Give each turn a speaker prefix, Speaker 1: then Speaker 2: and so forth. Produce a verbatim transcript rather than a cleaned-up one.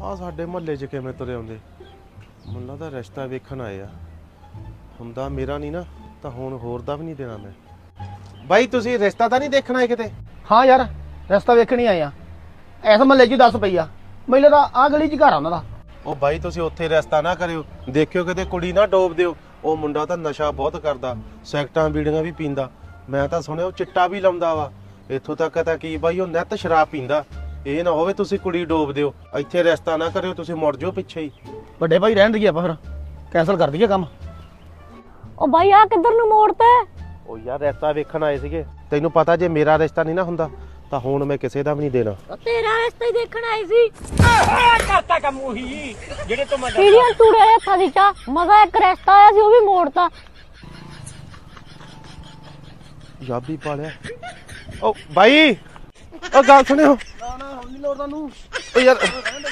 Speaker 1: ਆ ਸਾਡੇ ਮੁਹੱਲੇ 'ਚ ਕਿਵੇਂ ਤੁਰੇ ਆਉਂਦੇ ਮੈਨੂੰ ਲੱਗਦਾ ਰਿਸ਼ਤਾ ਵੇਖਣ ਆਏ ਆ ਹੁੰਦਾ ਮੇਰਾ ਨਹੀਂ ਨਾ ਤਾਂ ਹੁਣ ਹੋਰ ਦਾ ਵੀ ਨਹੀਂ ਦੇਣਾ ਮੈਂ ਬਾਈ ਤੁਸੀਂ ਰਿਸ਼ਤਾ ਤਾਂ ਨਹੀਂ ਦੇਖਣ ਆਏ ਕਿਤੇ
Speaker 2: ਹਾਂ ਯਾਰ ਰਸਤਾ ਵੇਖਣੀ ਆਏ ਆ ਐਸ ਮਹੱਲੇ 'ਚ ਦਸ ਪਈ ਆ ਮੈਨੂੰ ਤਾਂ ਆਹ ਗਲੀ 'ਚ ਘਰ ਆ ਉਹਨਾਂ ਦਾ।
Speaker 1: ਉਹ ਬਾਈ ਤੁਸੀਂ ਉੱਥੇ ਰਿਸ਼ਤਾ ਨਾ ਕਰਿਓ ਦੇਖਿਓ ਕਿਤੇ ਕੁੜੀ ਨਾ ਡੋਬ ਦਿਓ ਉਹ ਮੁੰਡਾ ਤਾਂ ਨਸ਼ਾ ਬਹੁਤ ਕਰਦਾ ਸੈਕਟਾਂ ਬੀੜੀਆਂ ਵੀ ਪੀਂਦਾ ਮੈਂ ਤਾਂ ਸੁਣਿਆ ਉਹ ਚਿੱਟਾ ਵੀ ਲਾਉਂਦਾ ਵਾ ਇੱਥੋਂ ਤੱਕ ਤਾਂ ਕੀ ਬਾਈ ਉਹ ਨਿੱਤ ਸ਼ਰਾਬ ਪੀਂਦਾ ਇਹ ਨਾ ਹੋਵੇ ਤੁਸੀਂ ਕੁੜੀ ਡੋਬ ਦਿਓ ਇੱਥੇ ਰਿਸ਼ਤਾ ਨਾ ਕਰਿਓ ਤੁਸੀਂ ਮੁੜ ਜਾਓ ਪਿੱਛੇ ਹੀ
Speaker 2: ਵੱਡੇ ਭਾਈ ਰਹਿਣ ਦਈਏ ਆਪਾਂ ਫਿਰ ਕੈਂਸਲ ਕਰ ਦਈਏ ਕੰਮ।
Speaker 3: ਉਹ ਬਾਈ ਆ ਕਿੱਧਰ ਨੂੰ ਮੋੜਤਾ
Speaker 1: ਉਹ ਯਾਰ ਰਿਸ਼ਤਾ ਵੇਖਣ ਆਏ ਸੀਗੇ ਤੈਨੂੰ ਪਤਾ ਜੇ ਮੇਰਾ ਰਿਸ਼ਤਾ ਨਹੀਂ ਨਾ ਹੁੰਦਾ ਤਾਂ ਹੁਣ ਮੈਂ ਕਿਸੇ ਦਾ ਵੀ ਨਹੀਂ ਦੇਣਾ।
Speaker 3: ਤੇਰਾ ਰਿਸ਼ਤਾ ਹੀ ਦੇਖਣ ਆਈ ਸੀ
Speaker 2: ਕਰਤਾ ਕੰਮ ਉਹੀ ਜਿਹੜੇ ਤੋਂ ਮੈਂ
Speaker 3: ਸੀਰੀਅਲ ਟੂੜੇ ਵਾਲੇ ਹੱਥਾਂ ਦੀ ਚਾ ਮਜ਼ਾ ਇੱਕ ਰਿਸ਼ਤਾ ਆਇਆ ਸੀ ਉਹ ਵੀ ਮੋੜਤਾ।
Speaker 1: ਪੰਜਾਬੀ ਪਾਲਿਆ ਉਹ ਬਾਈ ਉਹ ਗੱਲ ਸੁਣਿਓ
Speaker 2: ਨਾ ਨਾ ਹੁਣ ਨਹੀਂ ਲੋੜ ਤੁਹਾਨੂੰ
Speaker 1: ਉਹ ਯਾਰ